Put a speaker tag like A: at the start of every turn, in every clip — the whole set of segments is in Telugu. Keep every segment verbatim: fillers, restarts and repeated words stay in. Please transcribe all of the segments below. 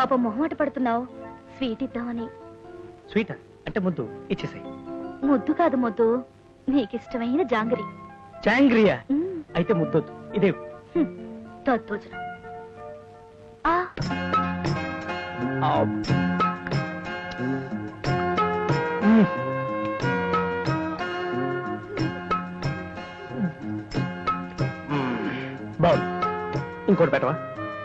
A: పాపం మొహమాట పడుతున్నావు, స్వీట్ ఇద్దామని.
B: స్వీట్ అంటే ముద్దు ఇచ్చేసాయి.
A: ముద్దు కాదు ముద్దు, నీకిష్టమైన జాంగరి.
B: జాంగ్రియా అయితే ముద్దొద్దు, ఇదే
A: దద్దోజనం.
B: బాగుంది, ఇంకోటి పెట్టవా?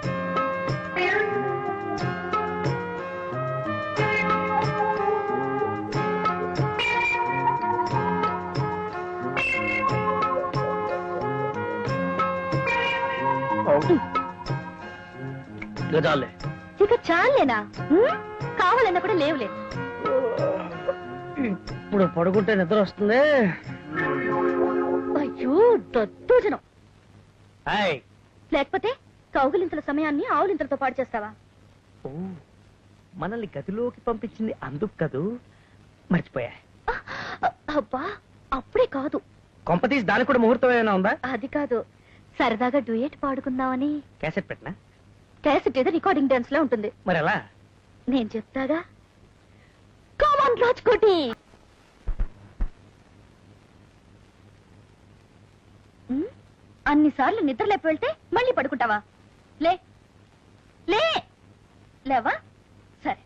B: చాలే,
A: ఇక చాలేనా? కావాలన్నా కూడా లేవులే.
B: ఇప్పుడు పడుకుంటే నిద్ర వస్తుంది.
A: అయ్యో దద్దోజనం. లేకపోతే కౌగులింతల సమయాన్ని ఆవులింతలతో పాడు చేస్తావా?
B: ఓ, మనల్ని గదిలోకి పంపించింది అందుకు కదూ, మర్చిపోయా.
A: అబ్బా అప్పుడే కాదు.
B: కొంపతీసి దానికి కూడా ముహూర్తం ఏమైనా ఉందా?
A: అది కాదు, సరదాగా డ్యూయట్ పాడుకుందామని.
B: క్యాసెట్ పెట్టినా?
A: క్యాసెట్ ఏదో రికార్డింగ్ డాన్స్ లో ఉంటుంది.
B: మరి ఎలా?
A: నేను చెప్తాగా. కామన్ రాజ్కోటి. అన్నిసార్లు నిద్ర లేపి వెళ్తే మళ్ళీ పడుకుంటావా? లే లే లేవా? సరే.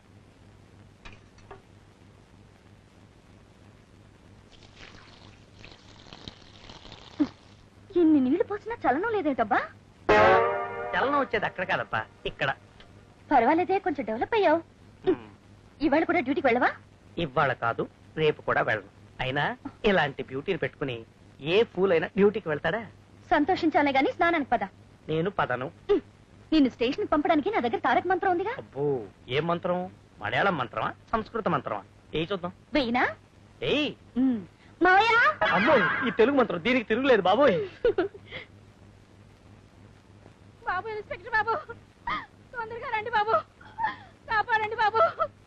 A: ఎన్ని నీళ్లు పోసినా చలనం లేదేంటబ్బా?
B: చలనం వచ్చేది అక్కడ కాదప్పా, ఇక్కడ.
A: పర్వాలేదే, కొంచెం డెవలప్ అయ్యావు. ఇవాళ కూడా డ్యూటీకి వెళ్ళవా?
B: ఇవాళ కాదు, రేపు కూడా వెళ్ళను. అయినా ఇలాంటి బ్యూటీని పెట్టుకుని ఏ ఫూల్ అయినా డ్యూటీకి వెళ్తాడా?
A: సంతోషించాలే గాని స్నానానికి పద.
B: నేను పదను.
A: నిన్ను స్టేషన్ పంపడానికి నా దగ్గర తారక మంత్రం ఉందిగా.
B: అబ్బో, ఏం మంత్రం? మలయాళం మంత్రమా, సంస్కృత మంత్రమా? ఏ చూద్దాం.
A: వెయ్యినా?
B: ఏయ్
A: మాయా.
B: అమ్మో, ఈ తెలుగు మంత్రం, దీనికి తిరుగులేదు బాబోయ్.
A: బాబు, ఇన్స్పెక్టర్ బాబు, తొందరగా రండి బాబు, కాపాడండి బాబు.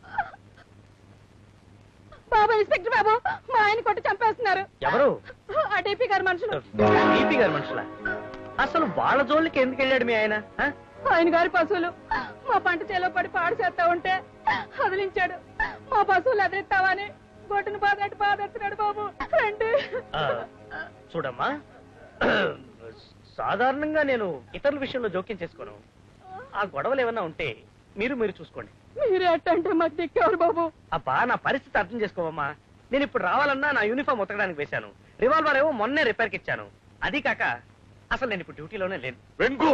A: బాబు ఇన్స్పెక్టర్ బాబు, మా ఆయన కొట్టి చంపేస్తున్నారు.
B: ఎవరు?
A: ఆ డీపీ గారి మనుషులు.
B: డీపీ గారి మనుషులా? అసలు వాళ్ళ జోలికి ఎందుకు వెళ్ళాడు మీ ఆయన?
A: ఆయన గారి పశువులు మా పంట చేలో పడి పాడు చేస్తా ఉంటే వదిలించాడు. మా పశువులు ఎదిరిస్తావని గొడ్డును బాధట్టు బాధెత్తున్నాడు బాబు. రండి.
B: చూడమ్మా, సాధారణంగా నేను ఇతరుల విషయంలో జోక్యం చేసుకోను. ఆ గొడవలు ఏమన్నా ఉంటే మీరు మీరు చూసుకోండి.
A: మీరే అట్టంటే మాకు దిక్కేవారు బాబు.
B: అబ్బా, నా పరిస్థితి అర్థం చేసుకోవమ్మా. నేను ఇప్పుడు రావాలన్నా నా యూనిఫామ్ ఉతకడానికి వేశాను, రివాల్వర్ ఏమో మొన్నే రిపేర్కి ఇచ్చాను. అది కాక అసలు నేను ఇప్పుడు డ్యూటీలోనే లేను.
C: వెంకు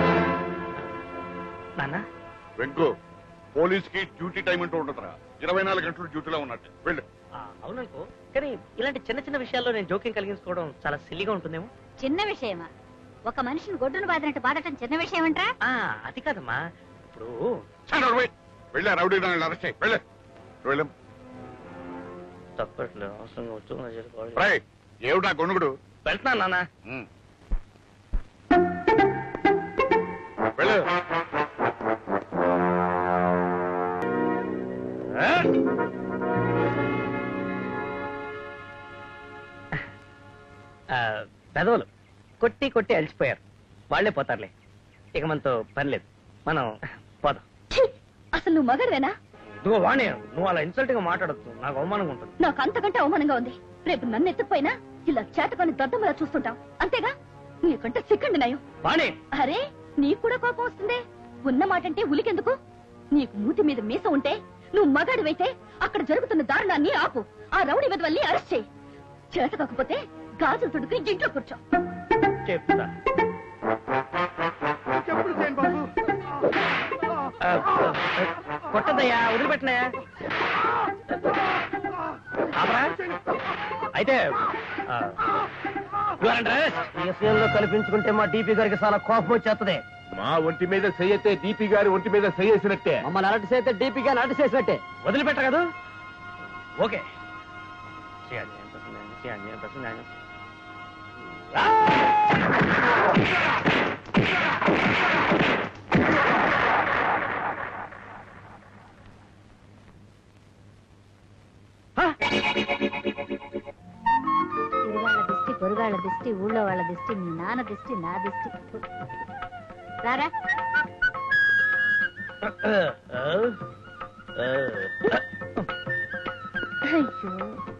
B: నాన్న,
C: వెంకు పోలీస్ కి డ్యూటీ టైం అంటూ ఉంటుందిరా. ఇరవై నాలుగు గంటలు డ్యూటీలో ఉన్నట్టు వెళ్ళు.
B: అవుననుకో, కానీ ఇలాంటి చిన్న చిన్న విషయాల్లో నేను జోక్యం కలిగించుకోవడం చాలా సిల్లిగా ఉంటుందేమో.
A: చిన్న విషయమా? ఒక మనిషిని గొడ్డును బాధినట్టు బాధటం చిన్న విషయం అంటా?
B: అది కాదమ్మా, ఇప్పుడు
C: వెళ్ళా రౌడీ అరెస్ట్ చేయి. వెళ్ళే వెళ్ళం.
B: తప్పట్లేదు, అవసరంగా వచ్చు.
C: ఏమిటా గొనుగుడు?
B: వెళ్తున్నాను నాన్న.
C: వెళ్ళు.
B: పెదవులు కొట్టి కొట్టి అలసిపోయారు, వాళ్లే పోతారులే. ఇక మనతో పని లేదు, మనం పోదాం.
A: అసలు నువ్వు మగడవేనా?
B: నువ్వు వాణి, నువ్వు అలా ఇన్సల్ట్ గా మాట్లాడద్దు, నాకు అవమానంగా ఉంటుంది.
A: నాకు అంతకంటే అవమానంగా ఉంది. రేపు నన్ను ఎత్తుకుపోయినా ఇలా చేతకొని దద్దమ్మలా చూస్తుంటాం, అంతేగా? నీకంటే సిక్కండి నయం.
B: వాణి,
A: అరే నీకు కూడా కోపం వస్తుంది. ఉన్న మాటంటే ఉలికెందుకు? నీకు మూతి మీద మీస ఉంటే, నువ్వు మగాడివైతే అక్కడ జరుగుతున్న దారుణాన్ని ఆపు. ఆ రౌడీ వెదవల్ని అరెస్ట్ చేయి. చేత కాకపోతే గాజులు తుడుకుని ఇంట్లో కూర్చో.
B: చెప్తా. కొట్టదయ్యా, వదిలిపెట్టినాయా? అయితే కల్పించుకుంటే మా డీపీ గారికి చాలా కోపం వచ్చేస్తుంది.
C: మా ఒంటి మీద సయ్యతే డీపీ గారి ఒంటి మీద సయ్యేసినట్టే.
B: మమ్మల్ని అలర్ట్ చేస్తే డీపీ గారిని అలర్ట్ చేసినట్టే. వదిలిపెట్ట కదా? ఓకే.
A: తిరుగాళ్ళ దిష్టి, పొరుగాళ్ళ దిష్టి, ఊళ్ళో వాళ్ళ దిష్టి, మీ నాన్న దిష్టి, నా దిష్టి. రారా. అయ్యో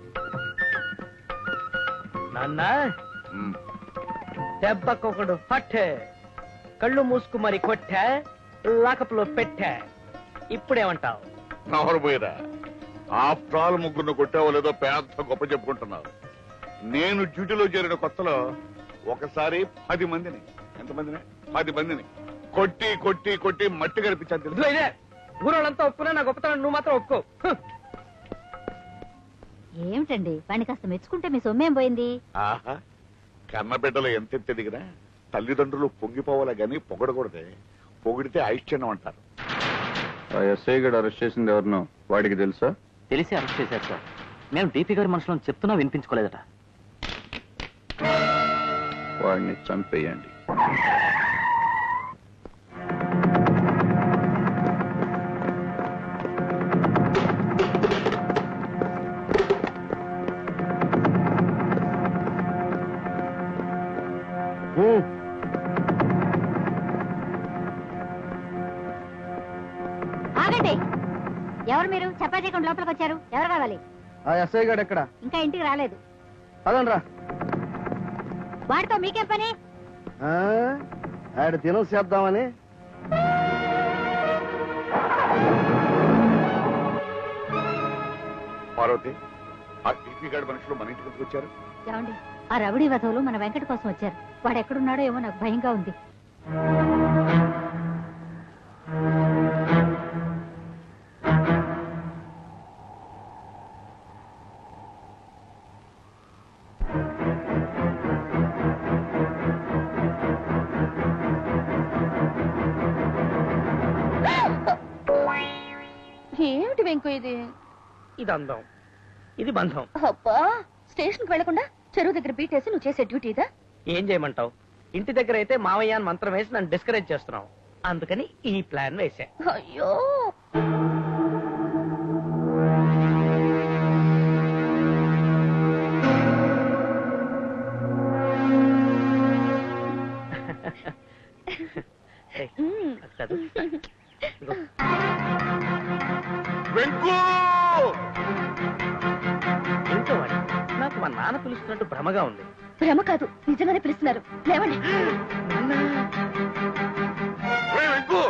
B: నాన్న
C: ఉమ్,
B: దెబ్బకొకడు పట్టే కళ్ళు మూసుకు మరి కొట్టా లాకప్లో పెట్టా ఇప్పుడేమంటావు
C: నవరు పోయిరా ఆఫ్టర్ ఆల్ ముగ్గురు కొట్టావో లేదో పెద్ద గొప్ప చెప్పుకుంటున్నారు. నేను డ్యూటీలో చేరిన కొత్తలో ఒకసారి పది మందిని ఎంతమందిని పది మందిని కొట్టి కొట్టి కొట్టి మట్టి కనిపించాను
B: ఇదిగో
C: తెలుసు.
B: ఇదే ఊరోళ్ళంతా ఒప్పుకున్నా నా గొప్పతనం నువ్వు మాత్రం ఒప్పుకో హ్.
A: ఏమిటండి వాడిని కాస్త మెచ్చుకుంటే మీ సొమ్మేం పోయింది?
C: ఆహా కన్న బిడ్డలు ఎంత ఎదిగినా తల్లిదండ్రులు పొంగిపోవాలా గాని పొగడకూడదే. పొగిడితే ఐశ్చర్యం అంటారు.
D: ఎస్ఐ గడు అరెస్ట్ చేసింది ఎవరినో వాడికి తెలుసా?
E: తెలిసి అరెస్ట్ చేశారు సార్. మేము డీపీ గారి మనుషులను చెప్తున్నా వినిపించుకోలేదట.
D: వాడిని చంపేయండి.
A: ఆగండి, ఎవరు మీరు? చపాతీ చేయకుండా లోపలికి వచ్చారు. ఎవరు కావాలి?
D: ఆ ఎస్ఐ గడు ఎక్కడ?
A: ఇంకా ఇంటికి రాలేదు.
D: పదండ్రా.
A: వాడితో మీకేం పని?
D: ఆడ దినం చేద్దామని.
C: పార్వతి ఆ టీపీ గాడి మనుషులు మన ఇంటికి ఎందుకు వచ్చారు?
A: ఏమండి, ఆ రవిడి వధవులు మన వెంకట కోసం వచ్చారు. వాడు ఎక్కడున్నాడో ఏమో నాకు భయంగా ఉంది. ఏమిటి వెంకు ఇది?
B: ఇది అందం ఇది బంధం.
A: అబ్బా, స్టేషన్ కి వెళ్లకుండా చెరువు దగ్గర బీటేసి నువ్వు చేసే డ్యూటీ ఇదా?
B: ఏం చేయమంటావు? ఇంటి దగ్గర అయితే మావయ్య అని మంత్రం వేసి నన్ను డిస్కరేజ్ చేస్తున్నావు. అందుకని ఈ ప్లాన్ వేసా.
A: అయ్యో,
B: ఏయ్,
A: మ్మ్.
B: అది కాదు. ఇదిగో.
C: వెంకు
B: ఏంటో వాడు, నాకు మా నాన్న పిలుస్తున్నట్టు భ్రమగా ఉంది.
A: భ్రమ కాదు, నిజంగానే పిలుస్తున్నారు. లేవండి.
C: ఒరేయ్ వెంకు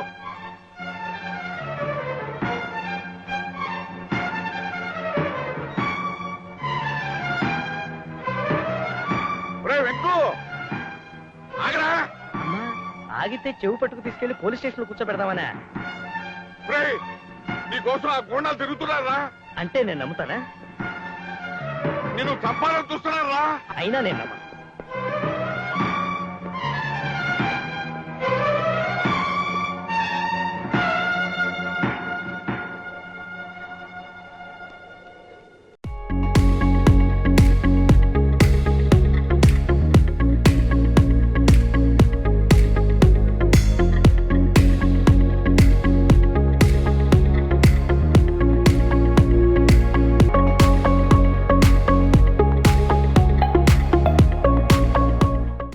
C: ఒరేయ్ వెంకు ఆగరా.
B: అమ్మా, ఆగితే చెవు పట్టుకు తీసుకెళ్లి పోలీస్ స్టేషన్ లో కూర్చోబెడదామనా?
C: ఒరేయ్ నీకోసం ఆ గోండాలు తిరుగుతున్నారా?
B: అంటే నేను నమ్ముతానా?
C: నేను చంపాలని చూస్తున్నారా?
B: అయినా నేను నమ్మను.